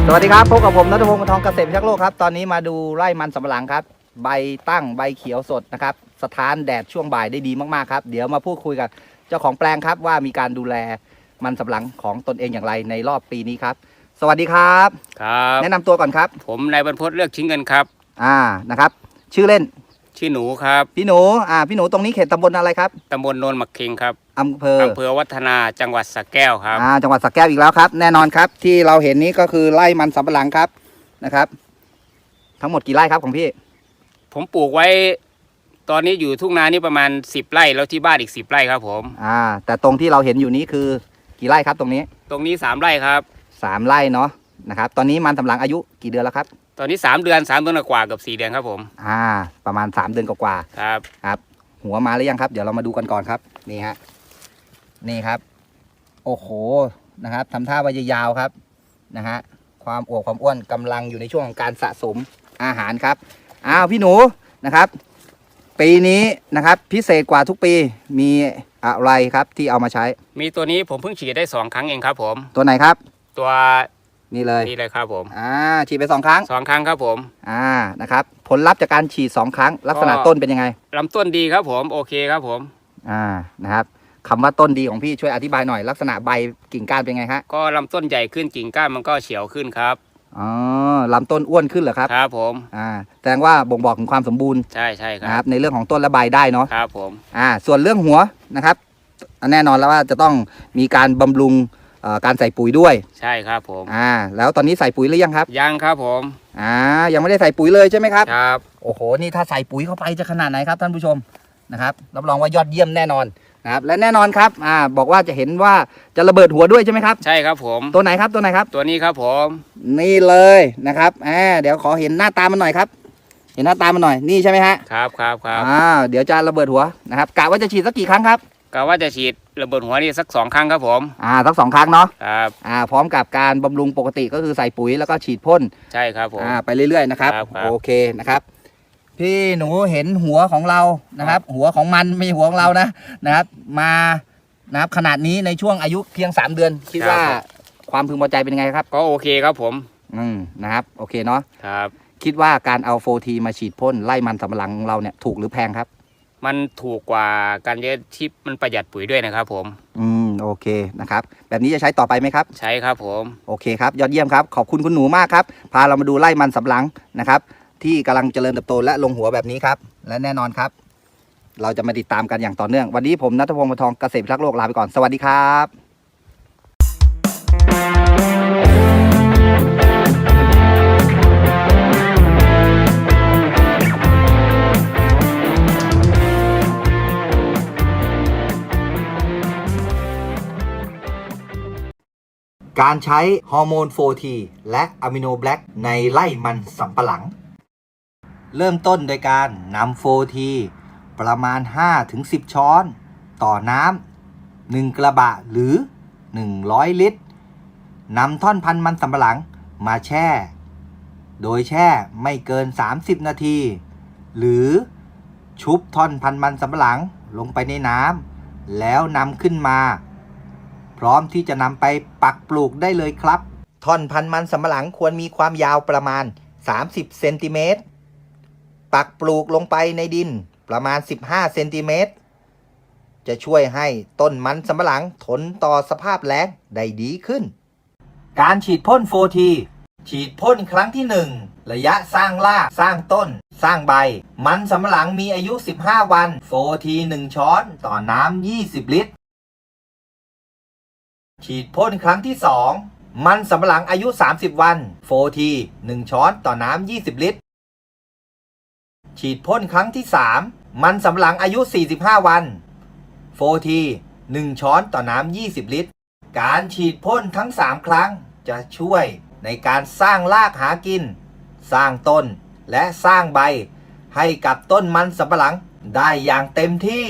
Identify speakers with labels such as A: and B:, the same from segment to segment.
A: สวัสดีครับพบกับผมณัฐพงศ์ วงศ์ทองเกษตรพิทักษ์โลกครับตอนนี้มาดูไร่มันสำปะหลังครับใบตั้งใบเขียวสดนะครับสถานแดดช่วงบ่ายได้ดีมากๆครับเดี๋ยวมาพูดคุยกับเจ้าของแปลงครับว่ามีการดูแลมันสำปะหลังของตนเองอย่างไรในรอบปีนี้ครับสวัสดีครับ
B: ครับ
A: แนะนำตัวก่อนครับ
B: ผมนายบรรพตเลือกชิ้นเงินครับ
A: นะครับชื่อเล่น
B: ชื่อหนูครับ
A: พี่หนูพี่หนูตรงนี้เขตตำบลอะไรครับ
B: ตำบลโนนหมักเค็งครับ
A: อำเภอ
B: วัฒนาจังหวัดสระแก้วครับ
A: จังหวัดสระแก้วอีกแล้วครับแน่นอนครับที่เราเห็นนี้ก็คือไร่มันสำปะหลังครับนะครับทั้งหมดกี่ไร่ครับของพี่
B: ผมปลูกไว้ตอนนี้อยู่ทุ่งนานี่ประมาณ10 ไร่แล้วที่บ้านอีก10 ไร่ครับผม
A: แต่ตรงที่เราเห็นอยู่นี้คือกี่ไร่ครับตรงนี้
B: 3 ไร่ครับ
A: 3 ไร่เนาะนะครับตอนนี้มันสำปะหลังอายุกี่เดือนแล้วครับ
B: ตอนนี้3 เดือนกว่าเกือบ4 เดือนครับผม
A: ประมาณ3 เดือนกว่า
B: ครับ
A: หัวมาหรือยังครับเดี๋ยวเรามาดูกันก่อนครับนี่ฮะนี่ครับโอ้โหนะครับทำท่าว่ายาวครับนะฮะความอวบความอ้วนกำลังอยู่ในช่วงของการสะสมอาหารครับพี่หนูนะครับปีนี้นะครับพิเศษกว่าทุกปีมีอะไรครับที่เอามาใช้
B: มีตัวนี้ผมเพิ่งฉีดได้2 ครั้งเองครับผม
A: ตัวไหนครับ
B: ตัว
A: นี่เลย
B: ครับผม
A: ฉีดไป2 ครั้ง
B: ครับผม
A: นะครับผลลัพธ์จากการฉีด2 ครั้งลักษณะต้นเป็นยังไง
B: ลำต้นดีครับผมโอเคครับผม
A: นะครับคำว่าต้นดีของพี่ช่วยอธิบายหน่อยลักษณะใบกิ่งก้านเป็นไงฮะ
B: ก็ลำต้นใหญ่ขึ้นกิ่งก้านมันก็เฉียวขึ้นครับ
A: ลำต้นอ้วนขึ้นเหรอครับ
B: ครับผม
A: แสดงว่าบ่งบอกถึงความสมบูรณ์
B: ใช่
A: ครับในเรื่องของต้นและใบได้เนาะ
B: ครับผม
A: ส่วนเรื่องหัวนะครับแน่นอนแล้วว่าจะต้องมีการบำรุงการใส่ปุ๋ยด้วย
B: ใช่ครับผม
A: แล้วตอนนี้ใส่ปุ๋ยหรือยังครับ
B: ยังครับผม
A: ยังไม่ได้ใส่ปุ๋ยเลยใช่ไหมครับ
B: ครับ
A: โอ้โหนี่ถ้าใส่ปุ๋ยเข้าไปจะขนาดไหนครับท่านผู้ชมนะครับรับรองว่ายอดเยี่ยมแน่นอนนะครับและแน่นอนครับบอกว่าจะเห็นว่าจะระเบิดหัวด้วยใช่ไหมครับ
B: ใช่ครับผม
A: ตัวไหนครับตัว
B: นี้ครับผม
A: นี่เลยนะครับเดี๋ยวขอเห็นหน้าตามันหน่อยครับเห็นหน้าตามันหน่อยนี่ใช่ไหมฮะ
B: ครับ
A: เดี๋ยวจะระเบิดหัวนะครับกะว่าจะฉีดสักกี่ครั้งครับ
B: กะว่าจะฉีดระเบิดหัวนี่สัก2 ครั้งครับผม
A: สัก2 ครั้งเนาะ
B: ครับ
A: พร้อมกับการบำรุงปกติก็คือใส่ปุ๋ยแล้วก็ฉีดพ่น
B: ใช่ครับผม
A: ไปเรื่อยๆนะครับโอเคนะครับพี่หนูเห็นหัวของเรานะครับหัวของมันไม่ใช่หัวของเรานะครับมานะครับขนาดนี้ในช่วงอายุเพียง3 เดือนคิดว่าความพึงพอใจเป็นยังไงครับ
B: ก็โอเคครับผม
A: นะครับโอเคเนาะ
B: ครับ
A: คิดว่าการเอาโฟทีมาฉีดพ่นไล่มันสำปะหลังของเราเนี่ยถูกหรือแพงครับ
B: มันถูกกว่าการเลี้ยงที่มันประหยัดปุ๋ยด้วยนะครับผม
A: โอเคนะครับแบบนี้จะใช้ต่อไปไหมครับ
B: ใช้ครับผม
A: โอเคครับยอดเยี่ยมครับขอบคุณคุณหนูมากครับพาเรามาดูไล่มันสำปะหลังนะครับที่กำลังเจริญเติบโตและลงหัวแบบนี้ครับและแน่นอนครับเราจะมาติดตามกันอย่างต่อเนื่องวันนี้ผมณัฐพงศ์ วงศ์ทองเกษตรพิทักษ์โลกลาไปก่อนสวัสดีครับการใช้ฮอร์โมน 4T และอะมิโนแบล็กในไล่มันสำปะหลังเริ่มต้นโดยการนำ 4T ประมาณ 5-10 ช้อนต่อน้ำ1 กระบะหรือ100 ลิตรนำท่อนพันธุ์มันสำปะหลังมาแช่โดยแช่ไม่เกิน30 นาทีหรือชุบท่อนพันธุ์มันสำปะหลังลงไปในน้ำแล้วนำขึ้นมาพร้อมที่จะนำไปปักปลูกได้เลยครับท่อนพันธุ์มันสำปะหลังควรมีความยาวประมาณ30 เซนติเมตรปักปลูกลงไปในดินประมาณ15 เซนติเมตรจะช่วยให้ต้นมันสำปะหลังทนต่อสภาพแล้งได้ดีขึ้นการฉีดพ่น 4T ฉีดพ่นครั้งที่1ระยะสร้างรากสร้างต้นสร้างใบมันสำปะหลังมีอายุ15 วัน 4T 1 ช้อนต่อน้ำ20 ลิตรฉีดพ่นครั้งที่2มันสำปะหลังอายุ30 วัน 4T 1 ช้อนต่อน้ำ20 ลิตรฉีดพ่นครั้งที่3มันสำปะหลังอายุ45 วัน 4T 1 ช้อนต่อน้ำ20 ลิตรการฉีดพ่นทั้ง3 ครั้งจะช่วยในการสร้างรากหากินสร้างต้นและสร้างใบให้กับต้นมันสำปะหลังได้อย่างเต็มที่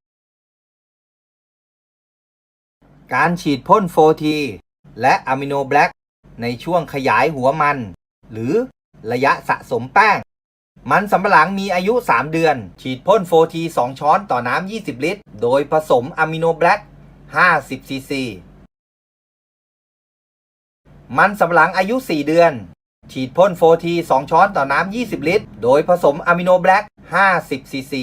A: การฉีดพ่น 4T และอะมิโนแบล็กในช่วงขยายหัวมันหรือระยะสะสมแป้งมันสำปะหลังมีอายุ 3 เดือนฉีดพ่น 4T 2 ช้อนต่อน้ำ20 ลิตรโดยผสมอะมิโนแบล็ก50 ซีซีมันสำปะหลังอายุ 4 เดือน ฉีดพ่น 4T 2 ช้อนต่อน้ำ 20 ลิตร โดยผสมอะมิโนแบล็ก 50 ซีซี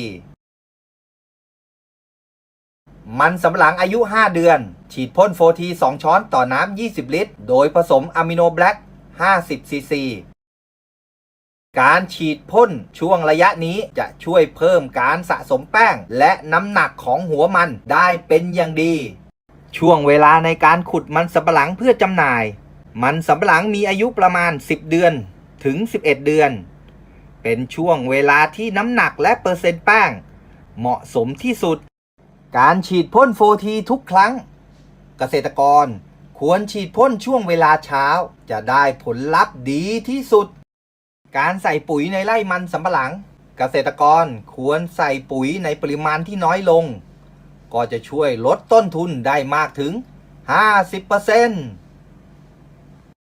A: มันสำปะหลังอายุ 5 เดือน ฉีดพ่น 4T 2 ช้อนต่อน้ำ 20 ลิตร โดยผสมอะมิโนแบล็ก 50 ซีซี การฉีดพ่นช่วงระยะนี้จะช่วยเพิ่มการสะสมแป้งและน้ำหนักของหัวมันได้เป็นอย่างดี ช่วงเวลาในการขุดมันสำปะหลังเพื่อจำหน่าย มันสำปะหลังมีอายุประมาณ 10 เดือนถึง 11 เดือน เป็นช่วงเวลาที่น้ำหนักและเปอร์เซ็นต์แป้งเหมาะสมที่สุด การฉีดพ่น 4T ทุกครั้ง เกษตรกรควรฉีดพ่นช่วงเวลาเช้าจะได้ผลลัพธ์ดีที่สุด การใส่ปุ๋ยในไร่มันสำปะหลัง เกษตรกรควรใส่ปุ๋ยในปริมาณที่น้อยลง ก็จะช่วยลดต้นทุนได้มากถึง 50%